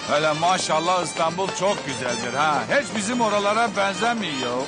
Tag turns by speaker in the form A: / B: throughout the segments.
A: Hele maşallah İstanbul çok güzeldir ha. Hiç bizim oralara benzemiyor.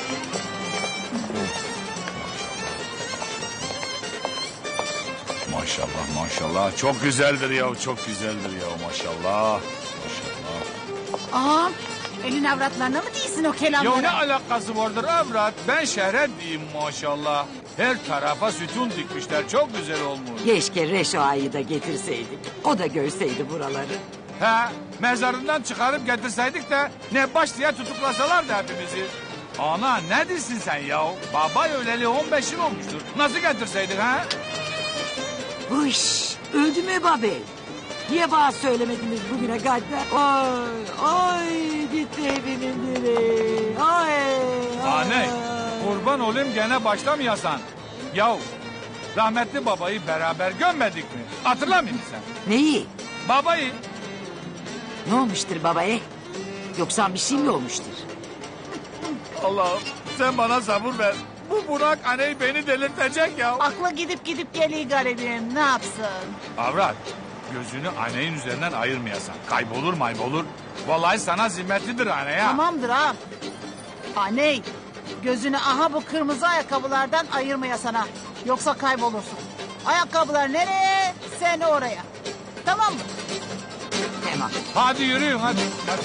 A: Maşallah maşallah çok güzeldir ya, çok güzeldir ya maşallah. Maşallah.
B: Ağam elin avratlarına mı değilsin o kelamlara?
A: Ya ne alakası vardır avrat? Ben şehre diyeyim maşallah. Her tarafa sütun dikmişler, çok güzel olmuş.
C: Keşke Reşo Ağa'yı da getirseydik. O da görseydi buraları.
A: He, mezarından çıkarıp getirseydik de ne baş diye tutuklasalardı hepimizi. Ana ne diyorsun sen ya? Baba öleli 15 yıl olmuştur. Nasıl getirseydik ha?
C: Hış, öldü mü babel? Niye bana söylemediniz bugüne kadar? Ay, ay gitti evimin direği. Ay,
A: Anne, kurban olayım gene başlamayasan. Yahu, rahmetli babayı beraber gömmedik mi? Hatırlamıyor musun sen?
C: Neyi?
A: Babayı.
C: Ne olmuştur babaya? Yoksa bir şey mi olmuştur?
A: Allah'ım sen bana sabır ver. Bu Burak anneyi beni delirtecek ya.
B: Aklı gidip geliyor garibim, ne yapsın?
A: Avrat, gözünü anneyin üzerinden ayırmayasan. Kaybolur maybolur. Vallahi sana zimmetlidir anne ya.
B: Tamamdır ağam. Aney, gözünü aha bu kırmızı ayakkabılardan ayırmaya sana. Yoksa kaybolursun. Ayakkabılar nereye, sen oraya. Tamam mı?
C: Tamam.
A: Hadi yürüyün hadi. Hadi.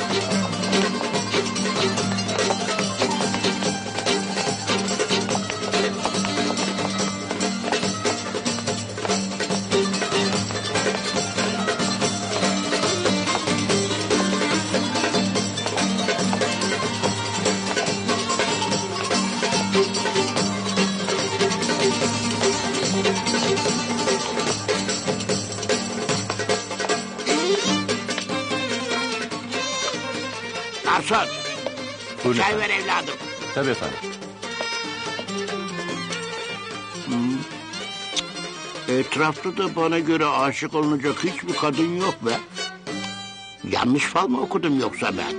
D: Garson, çay ver evladım.
E: Tabii efendim.
D: Etrafta da bana göre aşık olunacak hiçbir kadın yok be. Yanlış fal mı okudum yoksa ben?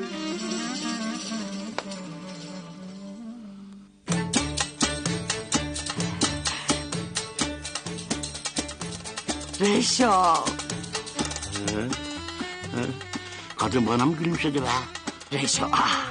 C: Reşo.
D: Kadın bana mı gülümsedi be?
C: Reşo.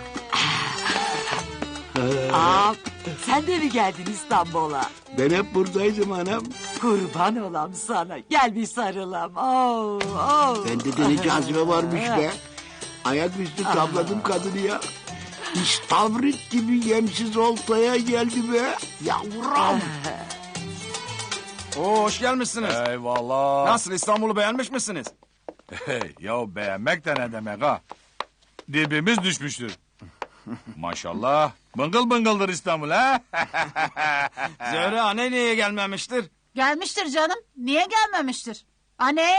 C: Aa, sen de mi geldin İstanbul'a?
D: Ben hep buradaydım anam.
C: Kurban olam sana. Gel bir sarılam. Oh, oh.
D: Bende de ne cazibe varmış be. Ayaküstü tabladım kadını ya. İstavrit gibi yemsiz oltaya geldi be. Yavrum.
E: Oo, hoş gelmişsiniz.
A: Eyvallah.
E: Nasıl, İstanbul'u beğenmiş misiniz?
A: Hey, ya beğenmek de ne demek ha? Dibimiz düşmüştür. Maşallah. Bıngıl bıngıldır İstanbul ha?
E: Zöhre anne niye gelmemiştir?
B: Gelmiştir canım. Niye gelmemiştir? Aney!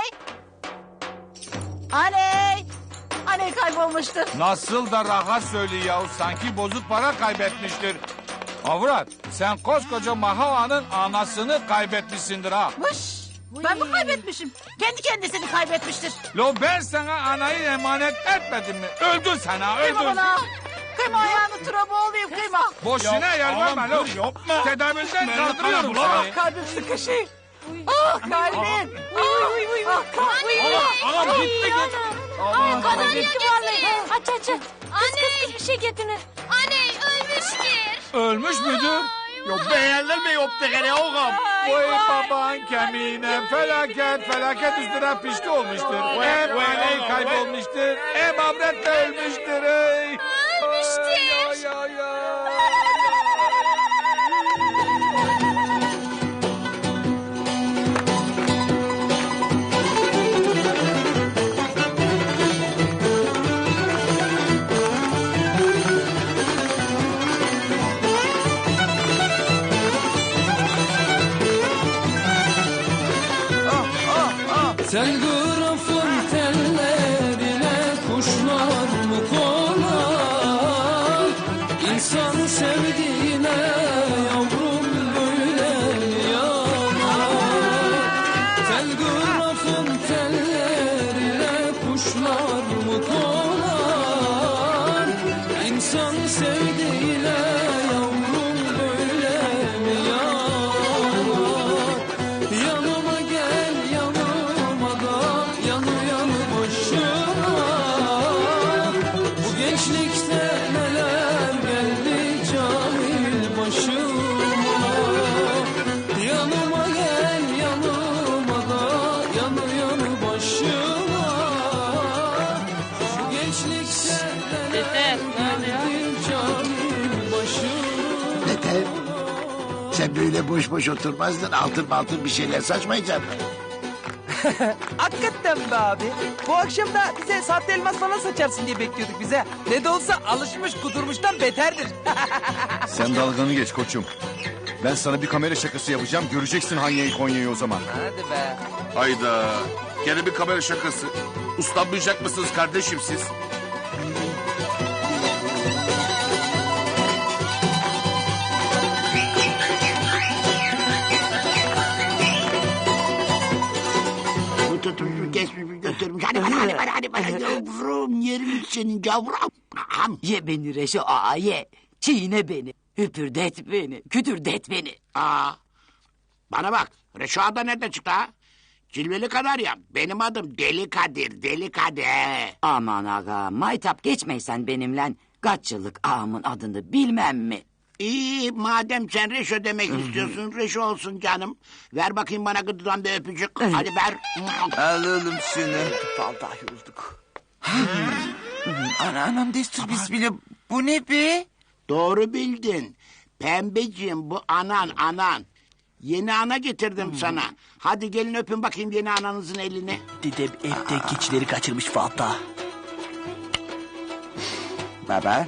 B: Aney! Aney kaybolmuştur.
A: Nasıl da rahat söylüyor ya. Sanki bozuk para kaybetmiştir. Avrat sen koskoca Mahava'nın anasını kaybetmişsindir ha.
B: Vış! Ben mi kaybetmişim? Kendi kendisini kaybetmiştir.
A: Lo ben sana anayı emanet etmedim mi? Öldün sen ha
B: Kıyma
A: öldün.
B: bana. Kıyma ayağını turaba olayım kıyma.
A: Boşuna yer verme lo.
E: Yapma.
A: Tedavülden kaldırıyorum seni.
B: Kalbim sıkışıyor. Ah kalbim. Ah kalbim.
E: Anam gitti git.
F: Kadın gitti vallahi. Aç aç. Anne. Bir şey getirin. Anne ölmüştür.
A: Ölmüş müdür?
E: Yok beğenler mi yoktu gene oğlum?
A: Vay baban kemiğine felaket üstüne pişti olmuştur. Hem anneyi kaybolmuştur, hem avret de ölmüştür. Ey.
F: Ölmüştür.
A: Ya, ya, ya.
G: Telgrafın tellerine kuşlar mı konar? İnsan sevdiğine yavrum böyle yanar. Telgrafın tellerine kuşlar mı konar? İnsan sevdiğine yavrum böyle mi yanar? Yanıma gel yanıma da yanı yanı başıma.
D: Sen böyle boş boş oturmazdın. Altın bir şeyler saçmayacaksın.
H: Hakikaten be abi. Bu akşam da bize sahte elmas falan saçarsın diye bekliyorduk bize. Ne de olsa alışmış kudurmuştan beterdir.
I: Sen dalganı geç koçum. Ben sana bir kamera şakası yapacağım. Göreceksin Hanya'yı Konya'yı o zaman.
H: Hadi be.
E: Hayda. Gene bir kamera şakası. Uslanmayacak mısınız kardeşim siz?
D: Bu tutmuş kesmiş götürmüş. Hadi yavrum yerim senin yavrum.
C: Ye beni Reşo ağa ye. Çiğne beni. Hüpürdet beni. Kütürdet beni.
D: Aa, bana bak. Reşo da nerede çıktı ha? Cilveli kadar ya. Benim adım Deli Kadir. Deli Kadir.
C: Aman aga maytap geçmeysen benimle. Kaç yıllık ağamın adını bilmem mi?
D: İyi madem sen Reşo demek istiyorsun. Reşo olsun canım. Ver bakayım bana gıdıdan bir öpücük. Hadi ver.
J: Al oğlum şunu.
H: Vallahi yorulduk.
J: Anam destur bismillah. Bu ne be?
D: Doğru bildin. Pembeciğim bu anan. Yeni ana getirdim sana. Hadi gelin öpün bakayım yeni ananızın elini.
H: Dedem evde keçileri kaçırmış Fatih.
J: Baba.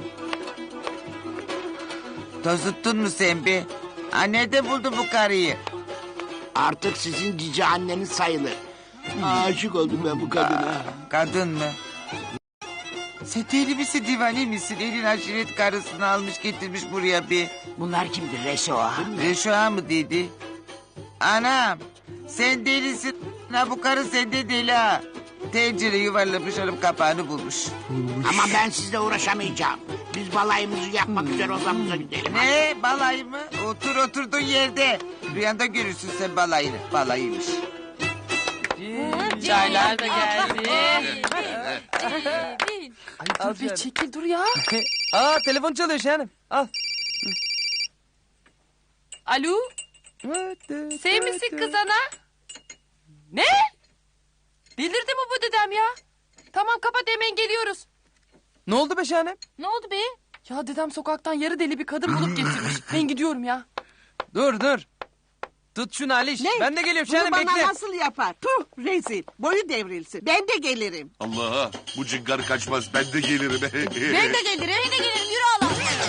J: Tozuttun mu sen be? Ha, nerede buldun bu karıyı?
D: Artık sizin cici anneniz sayılır. Aşık oldum ben bu kadına.
J: Kadın mı? Sen deli misin divane misin? Elin aşiret karısını almış getirmiş buraya be.
C: Bunlar kimdir Reşo ağa?
J: Reşoğa mı dedi? Anam sen delisin. Ha, bu karı sende deli ha. Tencere yuvarlamış hanım kapağını bulmuş.
D: Ama ben sizle uğraşamayacağım. Biz balayımızı yapmak üzere odamıza gidelim.
J: Ne balayı mı? Otur oturduğun yerde. Rüyanda görürsün sen balayını. Balayıymış.
F: Çaylar da geldi.
H: Al bir çekil dur ya. Aa telefon çalıyor Şahanem. Al.
F: Alo? Sen misin kız ana? Ne? Delirdi mi bu dedem ya? Tamam kapat hemen geliyoruz.
H: Ne oldu be Şahanem?
F: Ne oldu be? Ya dedem sokaktan yarı deli bir kadın bulup getirmiş. Ben gidiyorum ya.
H: Dur. Tut şunu Aliş. Ben de geliyorum Şahanem
K: Bunu
H: bekle.
K: bana nasıl yapar? Puh rezil. Boyu devrilsin. Ben de gelirim.
E: Allah bu cıngar kaçmaz ben de gelirim.
F: Ben de gelirim. Yürü Allah.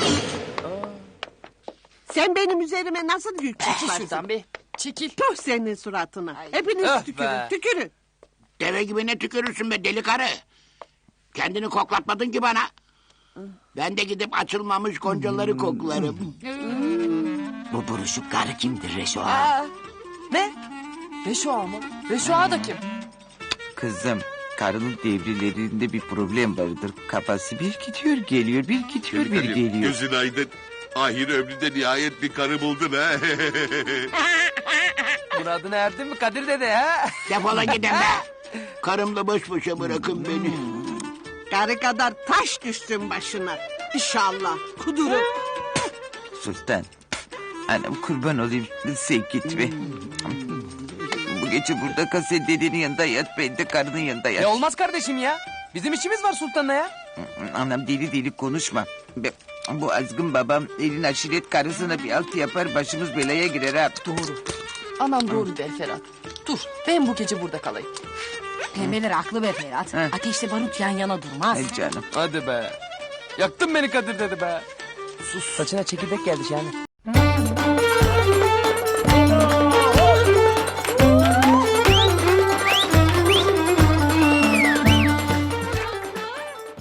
K: Sen benim üzerime nasıl yük
F: Çekil
K: çıkarsın?
F: şuradan be. Çekil.
K: Puh senin suratına. Hepiniz
H: Öf
K: tükürün.
H: be.
K: Tükürün.
D: Deve gibi ne tükürürsün be deli karı. Kendini koklatmadın ki bana. Ben de gidip açılmamış goncaları koklarım.
C: Bu buruşuk karı kimdir Reşo ağa?
F: Ne? Reşo ağa mı? Reşo ağa da kim?
J: Kızım karının devrelerinde bir problem vardır. Kafası bir gidiyor geliyor, bir gidiyor bir geliyor.
E: Gözün aydın. Ahir ömründe nihayet bir karı buldun ha.
H: Muradına erdin mi Kadir dede ha?
D: Defolun gidin be. Karımla baş başa bırakın beni.
K: Karı kadar taş düşsün başına. İnşallah. Kudurup.
J: Sultan. Anam kurban olayım sen gitme. Bu gece burada kal sen dedenin yanında yat ben de karının yanında yat.
H: Olmaz kardeşim ya. Bizim işimiz var Sultan'la ya.
J: Anam deli konuşma. Bu azgın babam elin aşiret karısına bir altı yapar başımız belaya girer ha.
F: Doğru. Anam doğru der Ferhat. Dur ben bu gece burada kalayım.
B: Pembeler haklı be Ferhat.
J: He.
B: Ateşle barut yan yana durmaz.
J: Ay canım.
H: Hadi be. Yaktın beni Kadir dede be. Sus. Saçına çekirdek geldi Şahanem.